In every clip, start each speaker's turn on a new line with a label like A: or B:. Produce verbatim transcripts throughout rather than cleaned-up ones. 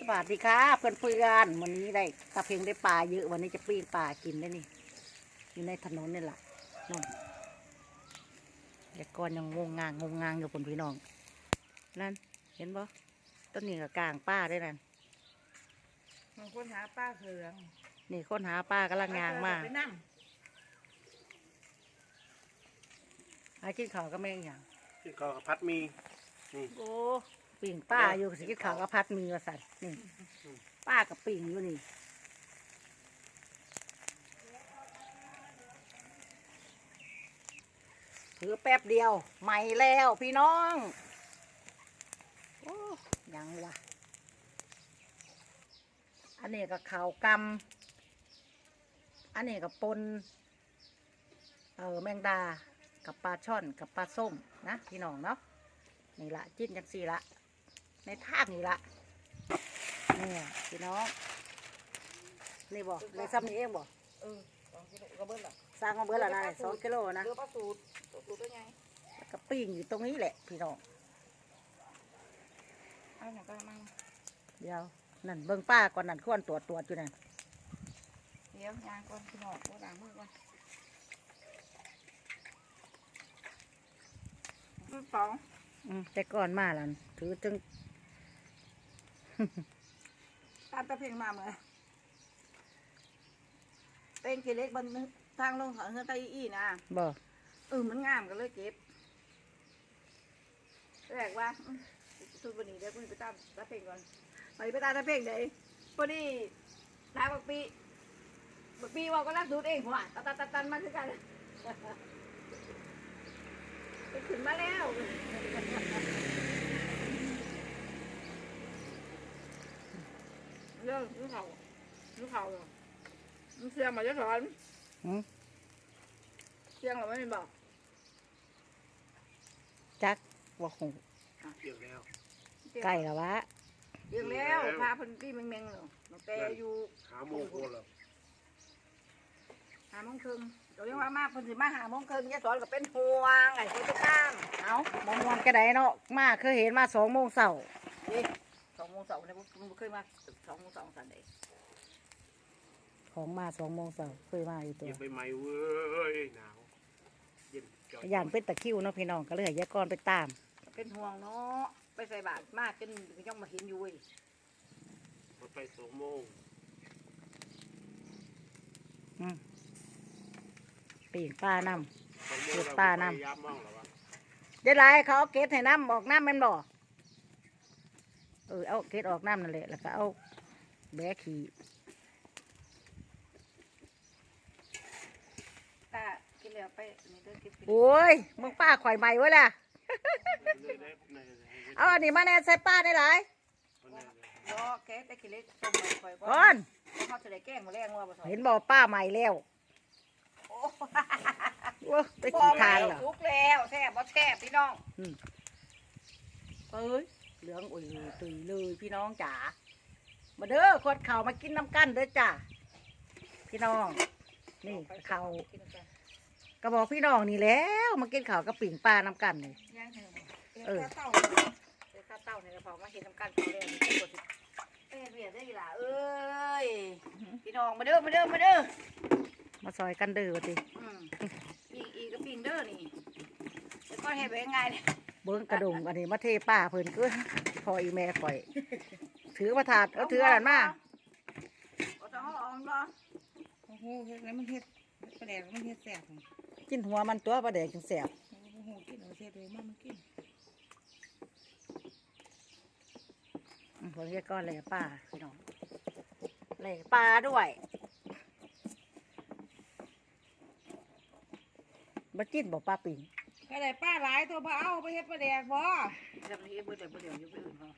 A: วัสดีค่ะเพื่อนเพื่อนวันนี้ได้ตะเพ็งได้ปลาเยอะวันนี้จะปิ้งปลากินได้นี่อยู่ในถนนนี่แหละนู่นแต่ก่อนยังงงงางงงงางอยู่คนพี่น้องนั่นเห็นบ่ต้นนี้กับกลางป้าได้นั่น
B: มันค้นหาป้าเขือง
A: นี่ค้นหาป้ากำลังงางมา
B: ไปนั่ง
A: หากินข้าวก็ไม่อย่าง
C: ที่เขาพัดมีนี่
A: โอ้ปิ้งป้าอยู่สิกินข้าวกับพัดมีว่าสัตว์นี่ป้ากับปิ้งอยู่นี่ถือแป๊บเดียวใหม่แล้วพี่น้องโอ้ยังวะอันนี้ก็ข่าวกำอันนี้ก็ปนเออแมงดากับปลาช่อนกับปลาส้มนะพี่น้องเนาะนี่ละจิ้นจังสี่ละในทางนี่ละนี่พี่น้องนี่บอกเลยซ้ำนี้เองบอก
B: เออสองกิโลก็เบิ้ลละ
A: สร้างมาเบอร์ละนะสองกิโลนะ
B: เรือปลาสูตรสูตรได้ไง
A: แล้วก็ปิ้งอยู่ตรงนี้แหละพี่น้อง
B: เอาหนังก็มั่ง
A: เดี๋ยวนั่นเบิ้งป้าก่อนนั่นควรตรวจตรวจอยู่นั่น
B: เดี๋ยวยางก่อนพี่น้องโบราณมือก่อนมือสอง
A: อืมแต่ก่อนมาแล้วถือจึง
B: ตามตะเพ่งมาเหมือนเต้นกี่เล็กบนทางลงเขาเฮือไตอีนะ
A: บอก
B: เออมันงามกันเลยเก็บแรกว่าทุกวันนี้เดี๋ยวคุณไปตามตะเพ่งก่อนไปไปตามตะเพ่งเลยพอดีทางบักปีบักปีว่าก็รักดูดเองผมอ่ะตันตันตันมาคือกันไปขึ้นมาแล้วเรื่องลูกเขาลูกเขาเหรอมันเสียงมาจะถอน
A: อืม
B: เสียงเราไม่ได้บอก
A: จักว่าคง
C: เกี่ยวแล้ว
A: ใกล้แล้ววะ
B: เสียงแล้วพาเพันที่แมงๆเหรอน้องแต่อยู่
C: หาโมงโคนแล้ว
B: หาโมงครึ่งเราเรียกว่ามาเพิ่นสิมาหาโมงครึ่งยายสอนก็เป็นห่วงไอ้คนไปตาม
A: เอาบางวันก็ได้เนาะมาเคยเห็นมาสองโมงเสาร์
B: นี่สองโมงสองเนี่ยผมเคยมาสองโมงสองสันเดย์
A: ของมาสองโมงเสาร์เคยมาอยู่ตัว
C: เย็นไปไหมเว้ยหนาวเย็นจ่อย
A: ย่านเป็นตะคริวเนาะพี่น้องก็เลยให้ยายกรไปตาม
B: เป็นห่วงเนาะไปใส่บาตรมากจนยังมาเห็นอยู่เว้ย
C: รถไปสองโมง
A: อืมปีกป้าน้
C: สองโมง
A: เก็บ
C: แล้ว
A: ปลาน้ำ
C: พยายามมองแล้ววะ
A: ำเดี๋ยวไรเขาเอาเกล็ดให้น้ำออกน้ำแมันบ่เออเอาเกล็ดออกน้ำนั่นแหละแล้วก็เอาแบะขี่
B: ตากินแล้วไปนี่เดินกิน
A: โอ้ยมึงป้าข่อยใหม่ไว้ละ
C: เลยได้ใน
A: เอาอันนี้มาแน่ใส่ป้าได้หลาย
C: วันนี้
B: รอแกได้กินเล็กต้มคอยก่
A: ก่อน
B: เขาจะได้แกล้งมาแรงว่าบ่สอน
A: เห็นบอกป้าใหม่แล้ว
B: โอ้
A: โอ้ไปขี่ทางเหรอ
B: ทุกแล้วแซ่บบ่แซ่บพี่น้อง
A: เอ้ยเหลืองอุ่ยตุยเลยพี่น้องจ๋ามาเด้อขวดเข่าวมากินน้ำกันเด้อจ้าพี่น้องนี่เข่าวก็บอกพี่น้องนี่แล้วมากินข้าวกับปิ่งปลาน้ำกันเลย
B: ย่างเถอะ
A: เออ
B: เต้าเดี๋ยวข้าวเต้าเนี่ยเราพอมาเห็นน้ำกันเขาเลยมีกดเอ้ยเบียดได้ล่ะเอ้ยพี่น้องมาเด้อมาเด้อมาเด้อ
A: มาซอยกันเด้อติ
B: อืมอีกอีกก็ปิงเด้อนี่แล้วก็เห็นไปยังไงเนี่ย
A: เบิ้งกระดงอันนี้มาเทป้าเพิ่นก็พออีแม่ข่อย ถือมาถาดเอาถืออะไรมา
B: เอาต้องเอาออกบ่
D: โอ้โหเฮ็ดแล้วมันเฮ็ดปลาแดกมันเฮ็ดแสบของ
A: กินหัวมันตัวปลาแดกจังแสบ
D: โอ้โหกินเอาเฮ็ดเลยมันมันกิน
A: อืมผมเรียกก้อนเลยป้าพี่น้องเลยปลาด้วยมาจิ้นบอกปลาปิ่ง
D: ปลาแดกป้าหลายตัวบ่เอาไปเฮ็ดปลาแดกบ่
B: จำนี้เบื่อแต่เบื่อเดี๋ยวอยู่ไปอื่นเขา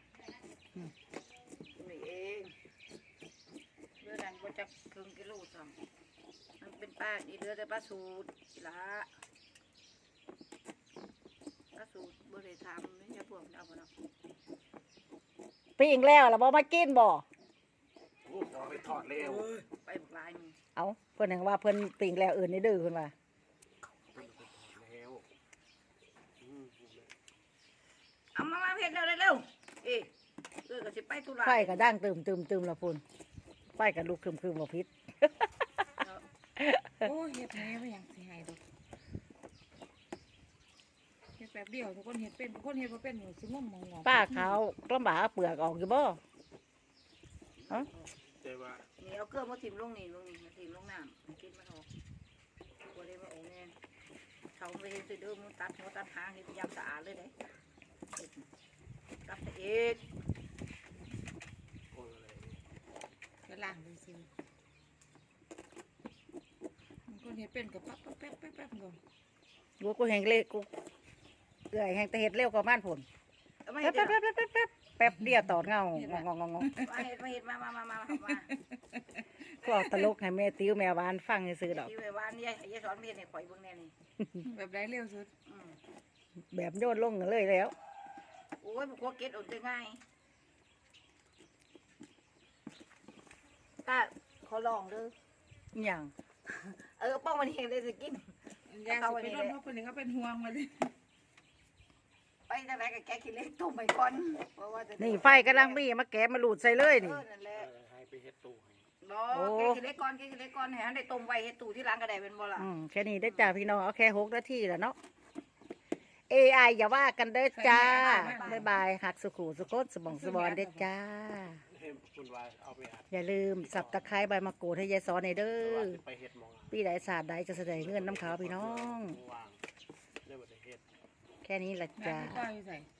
B: นี่เองเบื่อดังก็จะครึ่งกิโลสั่งมันเป็นป้าอีเดือแต่ป้าสูตรอีละป้าสูตรบริธรรมไม่ใช่พวกเอาไปเนาะ
A: ปิ่งแล้วแล้วบอมากินบ่
C: โอ้ขอไปทอดเร็ว
B: ไปบุกลายมึง
A: เอาเพิ่นยังว่าเพิ่นปิ่งแล้วอื่นนี่ดื้อเพิ่นว่า
C: ไปทอดแล้วอืม
B: เอามามาเพ็ดเร็วเร็วเอ๊ะเออก็สิไปธุระ
A: ไฟก็ดังตึมตึมตึมละพุ่นไฟก็ลุกคึมคึมบ่พิษ
D: โอ้เฮ็ดแหน่ไม่ยังสิหายดอกเฮ็ดแป๊บเดียวทุกคนเฮ็ดเป็นทุกคนเฮ็ดบ่เป็นอยู่สิงมมองง
A: ป้าขาวลำบากเอาเปลือกออกอยู่บ่
C: แต่ว่า
B: นี่เอาเครื่องมาถิ่มลงนี่ลงนี่มาถิ่มลงน้ำกินมันออกบ่ได้มาออกแน่เขาไปเห็นสิเด้อมันตัดหัวตัดหางเฮ็ดยามสะอาดเลยเด้ตัดเอ็ด
C: คนอะไร
D: ก็ล้างดูสิมันคนเฮ็ดเป็นก็ปั๊บปั๊บแป๊บแป๊บแป๊บก่อน
A: กูกูแหงเล็กกูเอื่อยแหงแต่เฮ็ดเร็วกว่าบ้านพุ่น
B: เอามา
A: แป๊
B: เฮ็
A: บ
B: ด
A: แป๊บ
B: เด้อ
A: แป๊บแป๊บแป๊บแป๊บเดียวตอดเงางงงงงง
B: มาเฮ็ดมาเฮ็ดมามามามามา
A: ก็เอาตลกให้แม่ติ้วแม่หวานฟังซื่อๆดอก
B: ที่ไว้วานยายยายสอนเฮ็ดให้ข่อยเบิ่งแน่นี่
D: แบบไรเร็วสุด
B: อืม
A: แบบโยนลงเลยแล้ว
B: โอ้ยบ่กลัวเก็ดอดได้ง่ายตาขอลองเด้อ
A: อหย่าง
B: เออป้องมันเห็นได้สิกิน
D: ยางสิไปโดนเพราะคนนี้เขาเป็นห่วงมาเลย
B: ไปทางไหนก็แกะขี้เหล็กต้มไปก่อนเพราะว่าจะ
A: นี่ไฟกำลังมีมาแกะมาหลุดใส่เลย
B: เอ
A: นี่
B: อนั่นแหละ
C: เออให้ไปเฮ็ดตู้ให้
B: บ่
A: โอ้
B: แกะขี้เหล็กก่อนแกะขี้เหล็กก่อนให้อันได้ต้มไว้เฮ็ดตู้ที่ร้านก็ได้เป็นบ่ล่ะ
A: อืมแค่นี้ได้อจ้าพี่น้องเอาแค่หกนาทีแล้วเนาะ เอ ไอ อย่าว่ากันเด้อจ้าบ๊ายบายหักสุขุสุขสมองสบอนเด้อจ้า
C: ให้คุณวายเอาไปอัด
A: อย่าลืมสับตะไคร้ใบมะกรูดให้ยายสอนในเด้
C: ว่า
A: อ
C: จะไปเฮ็ดหมอง
A: ปีใดศาสตร์ใดจะแสดงเงินน้ำขาวพี่น้อง
C: วางเรียกว่าจะเฮ็ด
A: แค่นี้ละ
D: แม่
A: จ้า
D: ไม่ต้อยอยู่ใส่